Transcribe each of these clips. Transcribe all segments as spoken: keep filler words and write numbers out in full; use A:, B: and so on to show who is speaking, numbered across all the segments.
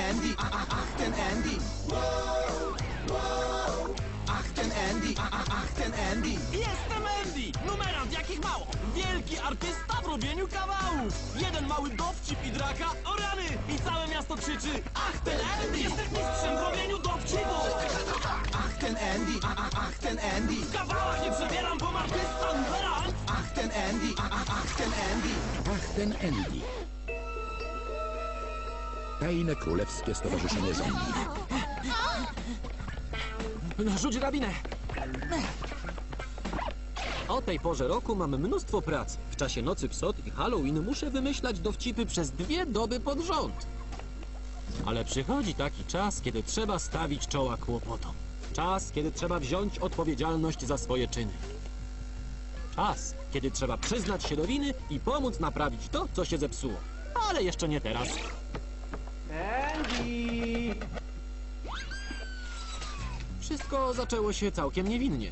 A: Andy, a, a, ach ten Andy. Ach ten Andy, a, a, ach ten Andy.
B: Jestem Andy! Numerant jakich mało! Wielki artysta w robieniu kawałów! Jeden mały dowcip i draka, o rany! I całe miasto krzyczy: ach ten Andy! Jestem mistrzem w robieniu dowcipów!
A: Ach ten Andy, a, a, ach ten Andy.
B: W kawałach nie przebieram, bo artysta numerant!
A: Ach ten Andy, a, a, ach ten Andy.
C: Ach, ten Andy. Tajne Królewskie Stowarzyszenie Zombie.
D: Rzuć drabinę! O tej porze roku mam mnóstwo pracy. W czasie Nocy Psot i Halloween muszę wymyślać dowcipy przez dwie doby pod rząd. Ale przychodzi taki czas, kiedy trzeba stawić czoła kłopotom. Czas, kiedy trzeba wziąć odpowiedzialność za swoje czyny. Czas, kiedy trzeba przyznać się do winy i pomóc naprawić to, co się zepsuło. Ale jeszcze nie teraz.
B: Andy!
D: Wszystko zaczęło się całkiem niewinnie.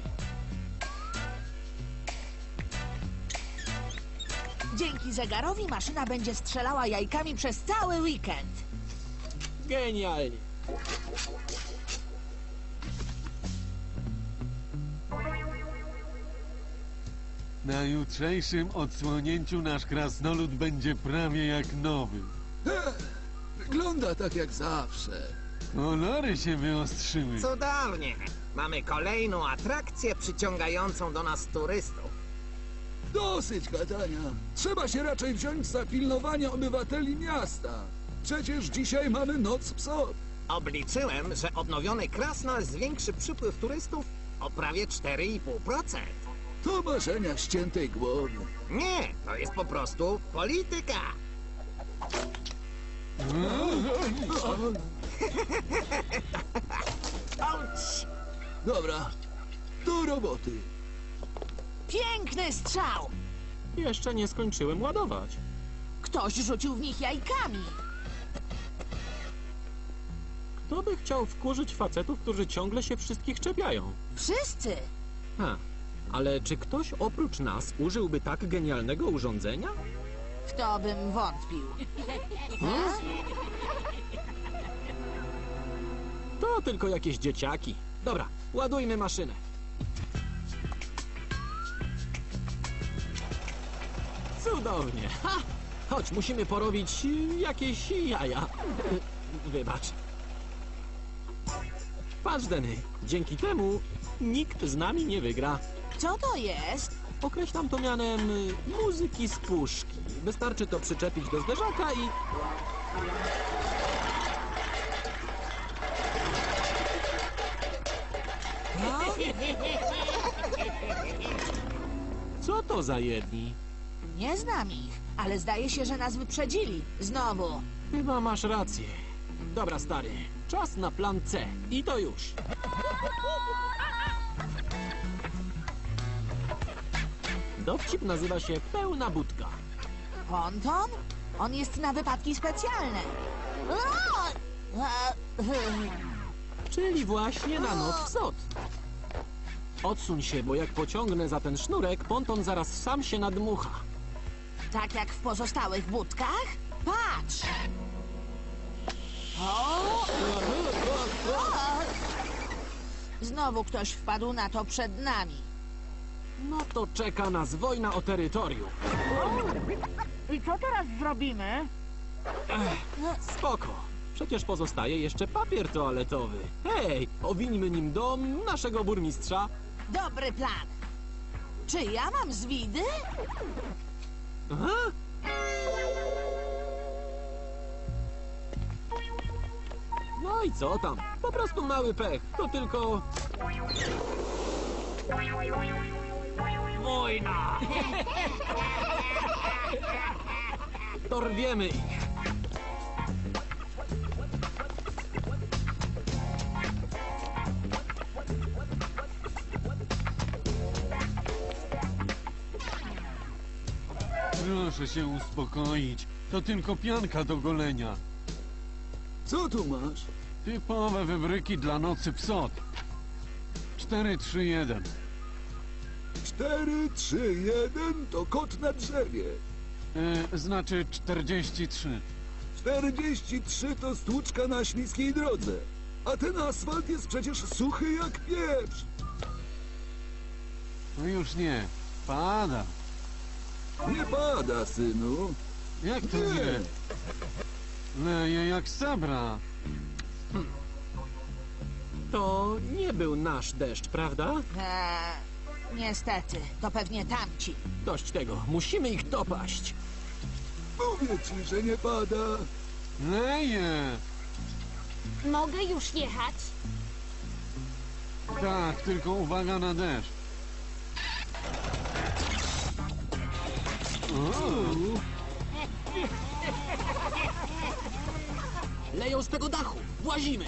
E: Dzięki zegarowi maszyna będzie strzelała jajkami przez cały weekend.
D: Genialnie.
F: Na jutrzejszym odsłonięciu nasz krasnolud będzie prawie jak nowy.
C: Wygląda tak jak zawsze.
F: Kolory się wyostrzyły.
G: Cudownie! Mamy kolejną atrakcję przyciągającą do nas turystów.
H: Dosyć gadania. Trzeba się raczej wziąć za pilnowanie obywateli miasta. Przecież dzisiaj mamy Noc Psot.
G: Obliczyłem, że odnowiony Krasnal zwiększy przypływ turystów o prawie cztery i pół procent.
H: To marzenia ściętej głowy.
G: Nie, to jest po prostu polityka. Auć!
H: Dobra, do roboty.
E: Piękny strzał!
D: Jeszcze nie skończyłem ładować.
E: Ktoś rzucił w nich jajkami.
D: Kto by chciał wkurzyć facetów, którzy ciągle się wszystkich czepiają?
E: Wszyscy!
D: Ha, ale czy ktoś oprócz nas użyłby tak genialnego urządzenia?
E: W to bym wątpił.
D: To tylko jakieś dzieciaki. Dobra, ładujmy maszynę. Cudownie. Ha! Chodź, musimy porobić y, jakieś jaja. Y, Wybacz. Patrz, Denny, dzięki temu nikt z nami nie wygra.
E: Co to jest?
D: Określam to mianem y, muzyki z puszki. Wystarczy to przyczepić do zderzaka i... Co to za jedni?
E: Nie znam ich, ale zdaje się, że nas wyprzedzili. Znowu.
D: Chyba masz rację. Dobra, stary, czas na plan C. I to już. Dowcip nazywa się Pełna Budka.
E: Ponton? On jest na wypadki specjalne. O! E,
D: Czyli właśnie na Noc Psot. Odsuń się, bo jak pociągnę za ten sznurek, ponton zaraz sam się nadmucha.
E: Tak jak w pozostałych budkach? Patrz! O! O! Znowu ktoś wpadł na to przed nami.
D: No to czeka nas wojna o terytorium.
E: I co teraz zrobimy?
D: Spoko. Przecież pozostaje jeszcze papier toaletowy. Hej, owińmy nim dom naszego burmistrza.
E: Dobry plan. Czy ja mam zwidy?
D: Aha. No i co tam? Po prostu mały pech. To tylko...
B: Wojna!
D: Dorwiemy ich.
F: Proszę się uspokoić. To tylko pianka do golenia.
H: Co tu masz?
F: Typowe wybryki dla Nocy Psot. cztery, trzy, jeden.
H: Cztery, trzy, jeden to kot na drzewie.
F: E, znaczy czterdzieści trzy.
H: czterdzieści trzy to stłuczka na śliskiej drodze. A ten asfalt jest przecież suchy jak pieprz.
F: No już nie. Pada.
H: Nie pada, synu.
F: Jak to
H: Nie.
F: nie? Leje jak sabra.
D: To nie był nasz deszcz, prawda?
E: Eee, niestety, to pewnie tamci.
D: Dość tego, musimy ich dopaść.
H: Mówię ci, że nie pada.
F: Leje.
I: Mogę już jechać?
F: Tak, tylko uwaga na deszcz. O,
D: Leją z tego dachu, włazimy.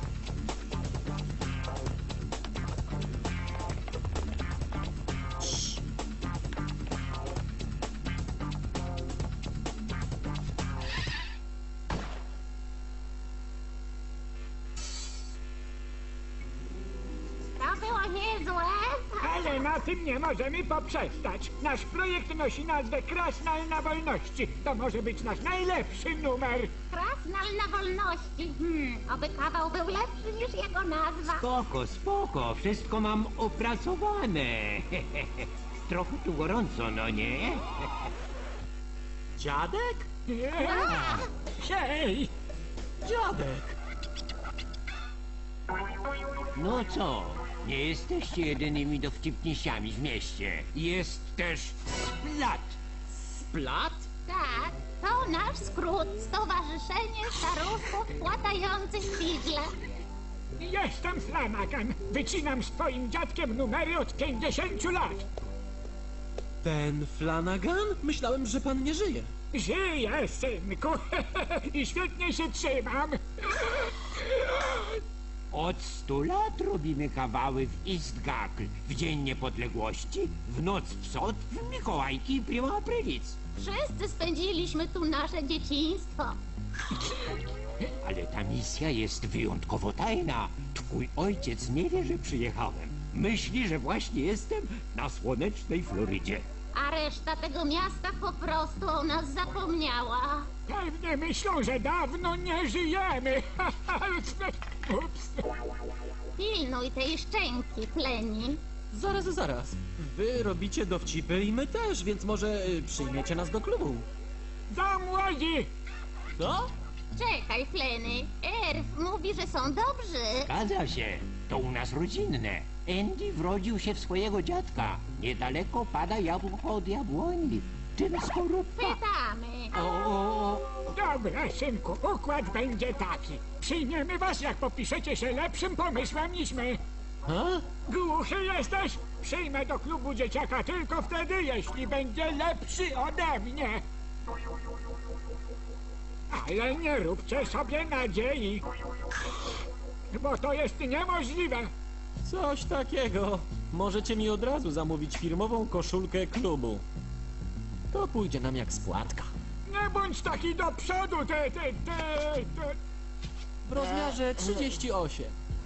I: To było niezłe.
J: Ale na tym nie możemy poprzestać. Nasz projekt nosi nazwę Krasnal na wolności. To może być nasz najlepszy numer.
I: Krasnal na wolności. Hmm, oby kawał był lepszy niż jego nazwa.
K: Spoko, spoko, wszystko mam opracowane. Trochę tu gorąco, no nie?
D: Dziadek?
J: Hej!
D: Dziadek!
K: No co, nie jesteście jedynymi dowcipnisiami w mieście. Jest też Splat.
D: Splat?
I: Tak, to nasz skrót. Stowarzyszenie Staruszków Płatających Figle.
J: Jestem Flanagan. Wycinam z twoim dziadkiem numery od pięćdziesięciu lat.
D: Ten Flanagan? Myślałem, że pan nie żyje.
J: Żyję, synku. I świetnie się trzymam.
K: Od stu lat robimy kawały w Istgakl. W Dzień Niepodległości, w Noc Psot, w Mikołajki i Prima Aprilis.
I: Wszyscy spędziliśmy tu nasze dzieciństwo.
K: Ale ta misja jest wyjątkowo tajna. Twój ojciec nie wie, że przyjechałem. Myśli, że właśnie jestem na słonecznej Florydzie.
I: A reszta tego miasta po prostu o nas zapomniała.
J: Pewnie myślą, że dawno nie żyjemy. Ups.
I: Pilnuj tej szczęki, Pleni.
D: Zaraz, zaraz. Wy robicie dowcipy i my też, więc może y, przyjmiecie nas do klubu.
J: Za młodzi!
D: Co?
I: Czekaj, Pleny. Erf mówi, że są dobrzy.
K: Zgadza się. To u nas rodzinne. Andy wrodził się w swojego dziadka. Niedaleko pada jabłko od jabłoni. Czym skorupka?
I: Pytamy.
K: O, o, o.
J: Dobra, synku, układ będzie taki. Przyjmiemy was, jak popiszecie się lepszym pomysłem niż my.
D: Ha?
J: Głuchy jesteś? Przyjmę do klubu dzieciaka tylko wtedy, jeśli będzie lepszy ode mnie. Ale nie róbcie sobie nadziei, bo to jest niemożliwe.
D: Coś takiego. Możecie mi od razu zamówić firmową koszulkę klubu. To pójdzie nam jak spłatka.
J: Nie bądź taki do przodu, ty, ty, ty, ty.
D: W rozmiarze trzydzieści osiem.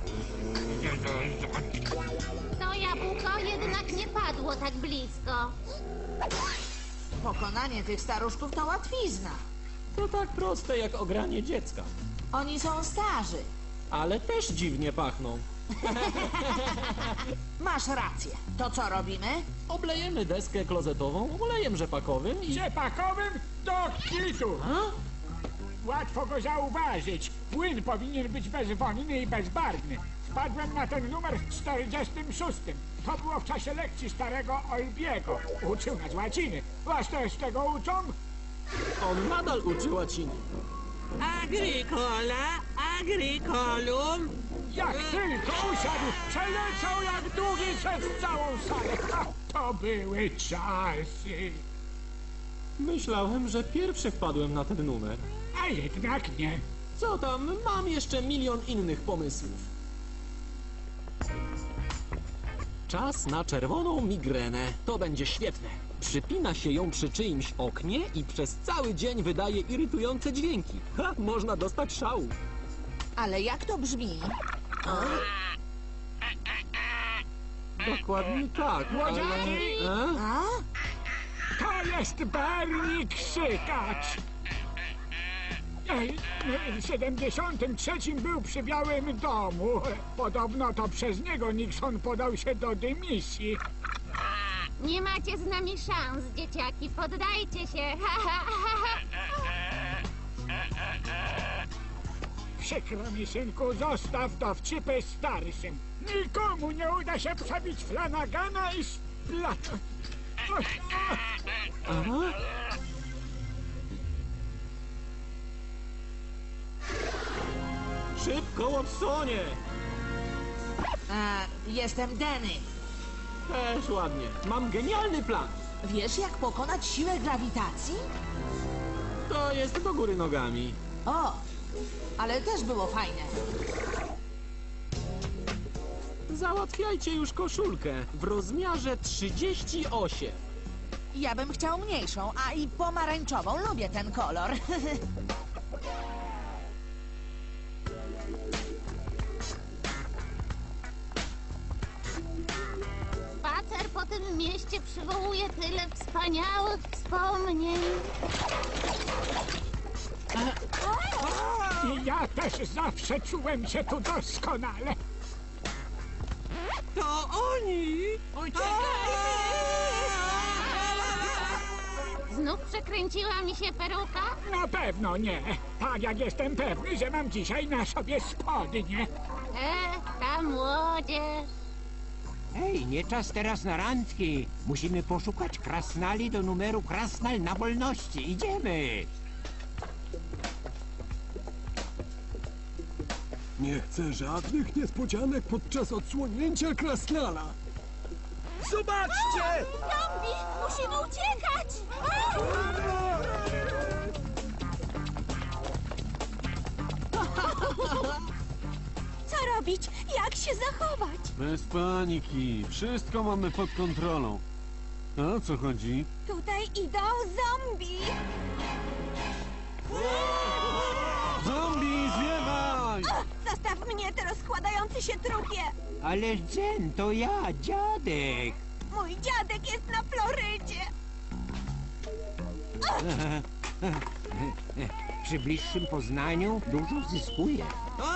I: To jabłko jednak nie padło tak blisko.
E: Pokonanie tych staruszków to łatwizna.
D: To tak proste jak ogranie dziecka.
E: Oni są starzy.
D: Ale też dziwnie pachną.
E: Masz rację. To co robimy?
D: Oblejemy deskę klozetową olejem rzepakowym i...
J: Ciepakowym do kitu.
D: A?
J: Łatwo go zauważyć. Płyn powinien być bezwonny i bezbarwny. Wpadłem na ten numer w czterdziestym szóstym. To było w czasie lekcji starego Olbiego. Uczył nas łaciny. Was też tego uczą?
D: On nadal uczy łaciny.
B: Agricola, agricolum.
J: Jak tylko usiadł, przeleciał jak długi przez całą salę. Ha, to były czasy.
D: Myślałem, że pierwszy wpadłem na ten numer.
J: A jednak nie.
D: Co tam, mam jeszcze milion innych pomysłów. Czas na czerwoną migrenę. To będzie świetne. Przypina się ją przy czyimś oknie i przez cały dzień wydaje irytujące dźwięki. Ha, można dostać szału.
E: Ale jak to brzmi?
D: Dokładnie tak, ale...
J: Młodziaki!
D: E?
E: A?
J: To jest Bernie Krzykacz. W siedemdziesiątym trzecim był przy Białym Domu. Podobno to przez niego Nixon podał się do dymisji.
I: Nie macie z nami szans, dzieciaki. Poddajcie się.
J: Przykro mi, synku, zostaw dowcipy starszym. Nikomu nie uda się przebić Flanagana i Splat...
D: Aha. Szybko, Watsonie!
E: A, jestem Denny.
D: Też ładnie. Mam genialny plan.
E: Wiesz, jak pokonać siłę grawitacji?
D: To jest do góry nogami.
E: O, ale też było fajne.
D: Załatwiajcie już koszulkę w rozmiarze trzydzieści osiem.
E: Ja bym chciał mniejszą, a i pomarańczową. Lubię ten kolor.
I: Spacer po tym mieście przywołuje tyle wspaniałych wspomnień.
J: I ja też zawsze czułem się tu doskonale.
B: To oni!
I: Znów przekręciła mi się peruka?
J: Na pewno nie. Tak jak jestem pewny, że mam dzisiaj na sobie spodnie.
I: E, ta młodzież.
K: Ej, nie czas teraz na randki. Musimy poszukać krasnali do numeru Krasnal na wolności. Idziemy.
F: Nie chcę żadnych niespodzianek podczas odsłonięcia krasnala.
B: Zobaczcie!
I: Zombie! Musimy uciekać!
L: Co robić? Jak się zachować?
F: Bez paniki. Wszystko mamy pod kontrolą. A o co chodzi?
L: Tutaj idą zombie!
F: Zombie, zwiewaj!
L: Zostaw mnie, to rozkładający się trupie!
K: Ale Jen, to ja, dziadek.
L: Mój dziadek jest na Florydzie!
K: Przy bliższym poznaniu dużo zyskuje.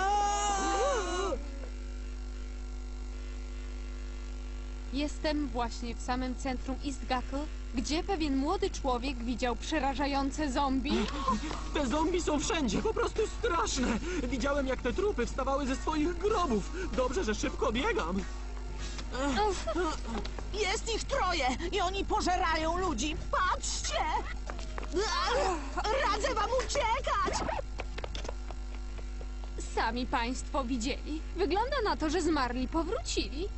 M: Jestem właśnie w samym centrum Eastgackle, gdzie pewien młody człowiek widział przerażające zombie.
D: Te zombie są wszędzie, po prostu straszne. Widziałem, jak te trupy wstawały ze swoich grobów. Dobrze, że szybko biegam.
E: Jest ich troje i oni pożerają ludzi. Patrzcie! Radzę wam uciekać!
M: Sami państwo widzieli. Wygląda na to, że zmarli powrócili.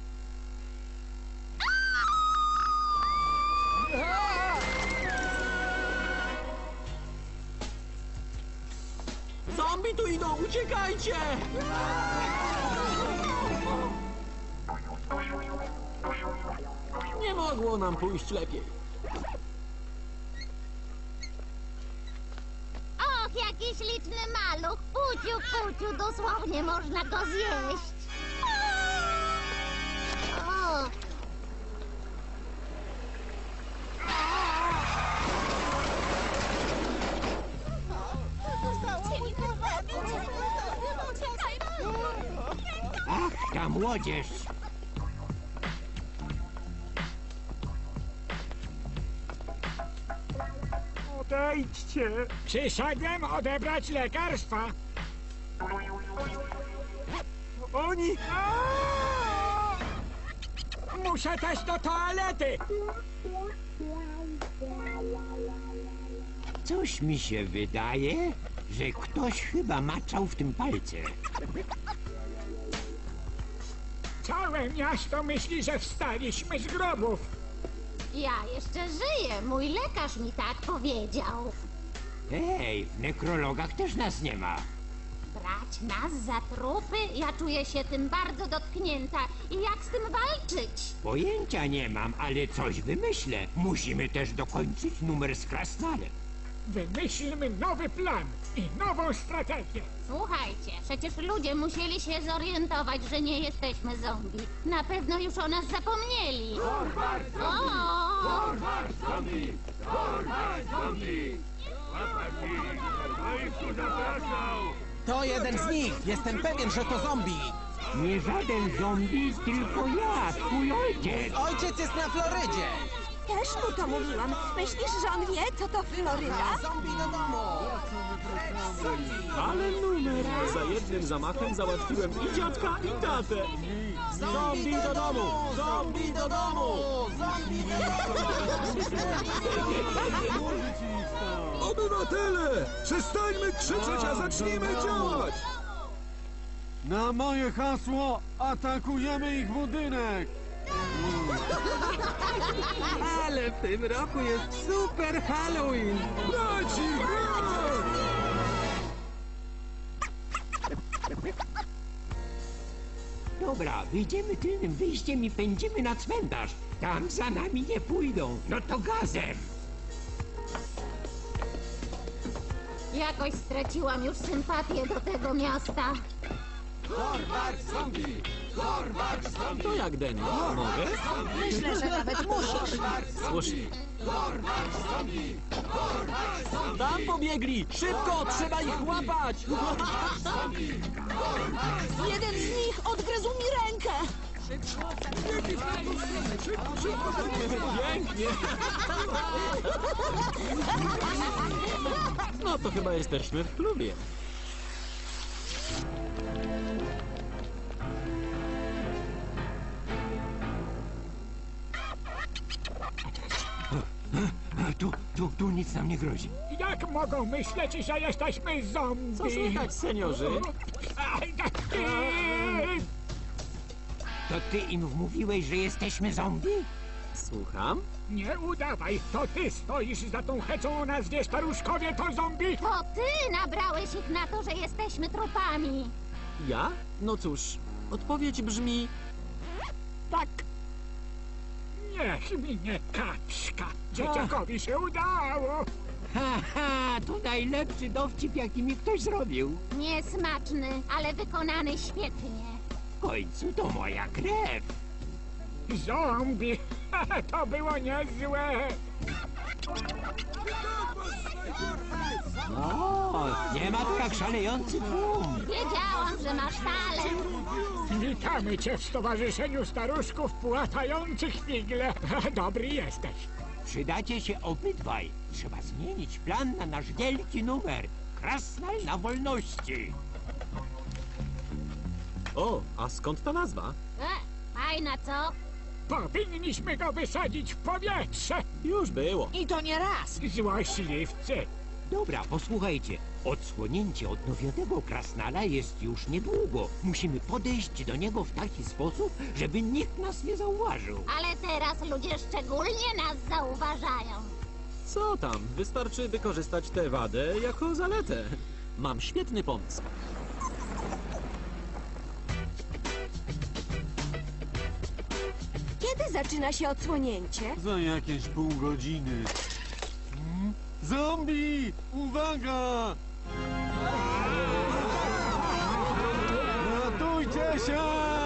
D: Zombie tu idą, uciekajcie! Nie mogło nam pójść lepiej.
I: Och, jaki śliczny maluch! Puciu, puciu, dosłownie można go zjeść. O.
K: Ach, ta młodzież.
J: Odejdźcie! Przyszedłem odebrać lekarstwa.
B: Oni!
J: Aaaa! Muszę też do toalety!
K: Coś mi się wydaje, że ktoś chyba maczał w tym palce.
J: Całe miasto myśli, że wstaliśmy z grobów.
I: Ja jeszcze żyję. Mój lekarz mi tak powiedział.
K: Ej, w nekrologach też nas nie ma.
I: Brać nas za trupy? Ja czuję się tym bardzo dotknięta. I jak z tym walczyć?
K: Pojęcia nie mam, ale coś wymyślę. Musimy też dokończyć numer z krasnalem.
J: Wymyślmy nowy plan i nową strategię.
I: Słuchajcie, przecież ludzie musieli się zorientować, że nie jesteśmy zombie. Na pewno już o nas zapomnieli. O!
B: Zombie! Zombie! Zombie!
G: To jeden z nich! Jestem pewien, że to zombie!
K: Nie żaden zombie, tylko ja, twój ojciec.
G: Ojciec jest na Florydzie!
L: Też mu to mówiłam. Myślisz, że on wie, co to Floryda?
G: Zombie do domu!
D: Ale numer! Za jednym zamachem załatwiłem i dziadka, i tatę. Zombie do domu! Zombie do domu!
H: Obywatele! Przestańmy krzyczeć, a zacznijmy działać!
F: Na moje hasło atakujemy ich budynek!
D: Ale w tym roku jest super Halloween!
H: Braci, brat!
K: Dobra, wyjdziemy tylnym wyjściem i pędzimy na cmentarz. Tam za nami nie pójdą. No to gazem.
I: Jakoś straciłam już sympatię do tego miasta.
D: To jak, Denny? Mogę?
E: Myślę, że nawet musisz.
D: Słusznie. Tam pobiegli! Szybko! Trzeba ich łapać!
E: Jeden z nich odgryzł mi rękę.
D: Pięknie! No to chyba jesteśmy w klubie.
K: Tu, tu, tu nic nam nie grozi.
J: Jak mogą myśleć, że jesteśmy zombie?
D: Co słychać, seniorzy?
K: To ty im wmówiłeś, że jesteśmy zombie?
D: Słucham?
J: Nie udawaj, to ty stoisz za tą heczą o nazwie Staruszkowie to zombie?
I: To ty nabrałeś ich na to, że jesteśmy trupami.
D: Ja? No cóż, odpowiedź brzmi...
J: Tak. Niech minie kaczka. Dzieciakowi się udało.
K: Ha, ha, to najlepszy dowcip, jaki mi ktoś zrobił.
I: Niesmaczny, ale wykonany świetnie.
K: W końcu to moja krew.
J: Zombie. To było niezłe.
K: O, nie ma tu jak szalejący tłum.
I: Wiedziałam, że masz talent.
J: Witamy cię w Stowarzyszeniu Staruszków Płatających Figle. Dobry jesteś.
K: Przydacie się obydwaj. Trzeba zmienić plan na nasz wielki numer. Krasnal na wolności.
D: O, a skąd ta nazwa?
I: E, fajna, co?
J: Powinniśmy go wysadzić w powietrze.
D: Już było.
E: I to nie raz.
J: Złośliwcy.
K: Dobra, posłuchajcie. Odsłonięcie odnowionego krasnala jest już niedługo. Musimy podejść do niego w taki sposób, żeby nikt nas nie zauważył.
I: Ale teraz ludzie szczególnie nas zauważają.
D: Co tam? Wystarczy wykorzystać tę wadę jako zaletę. Mam świetny pomysł.
L: Kiedy zaczyna się odsłonięcie?
F: Za jakieś pół godziny. Hmm? Zombie! Uwaga! Ratujcie się!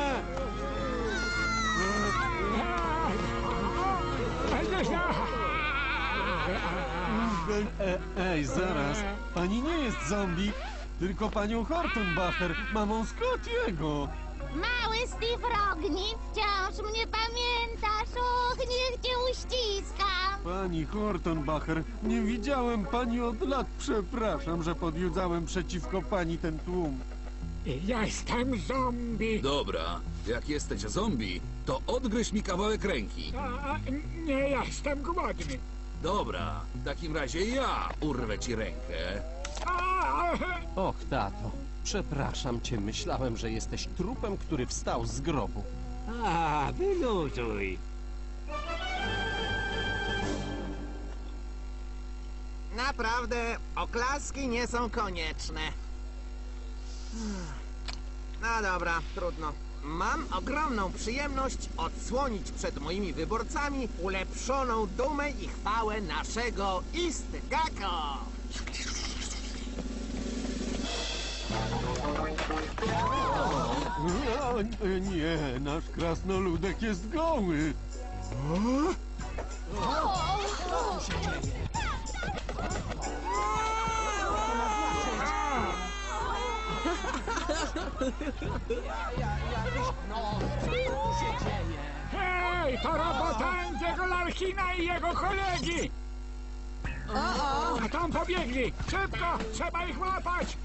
F: E, ej, zaraz. Pani nie jest zombie, tylko panią Hortonbacher, mamą Scottiego.
I: Mały Steve Rogni, wciąż mnie pamiętasz. Och, niech cię uściskam.
F: Pani Hortonbacher, nie widziałem pani od lat. Przepraszam, że podjudzałem przeciwko pani ten tłum.
J: Jestem zombie.
H: Dobra, jak jesteś zombie, to odgryź mi kawałek ręki.
J: A, nie jestem głodny.
H: Dobra, w takim razie ja urwę ci rękę.
J: A,
N: Och, tato, przepraszam cię, myślałem, że jesteś trupem, który wstał z grobu.
K: A, wyluzuj.
G: Naprawdę, oklaski nie są konieczne. No dobra, trudno. Mam ogromną przyjemność odsłonić przed moimi wyborcami ulepszoną dumę i chwałę naszego Istgako.
F: O, nie, nasz krasnoludek jest goły.
J: Hej, to robota Andiego Larkina i jego kolegi! A tam pobiegli! Szybko! Trzeba ich łapać!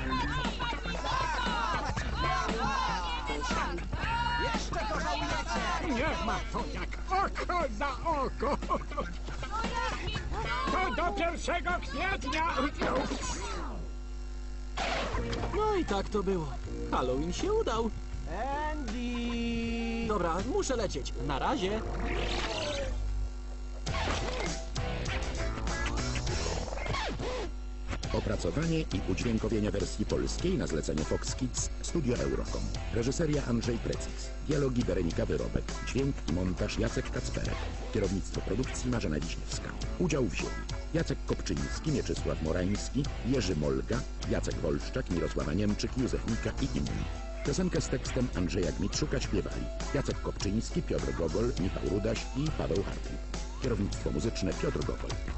A: Jeszcze to żałujecie!
J: Niech ma to jak oko za oko! To do pierwszego kwietnia!
D: No i tak to było. Halloween się udał.
B: Andy!
D: Dobra, muszę lecieć. Na razie.
C: Opracowanie i udźwiękowienie wersji polskiej na zlecenie Fox Kids, Studio Eurocom. Reżyseria Andrzej Precis. Dialogi Weronika Wyrobek. Dźwięk i montaż Jacek Kacperek. Kierownictwo produkcji Marzena Wiśniewska. Udział wzięli Jacek Kopczyński, Mieczysław Morański, Jerzy Molga, Jacek Wolszczak, Mirosława Niemczyk, Józef Mika i inni. Piosenkę z tekstem Andrzeja Gmitrzuka śpiewali Jacek Kopczyński, Piotr Gogol, Michał Rudaś i Paweł Hartwig. Kierownictwo muzyczne Piotr Gogol.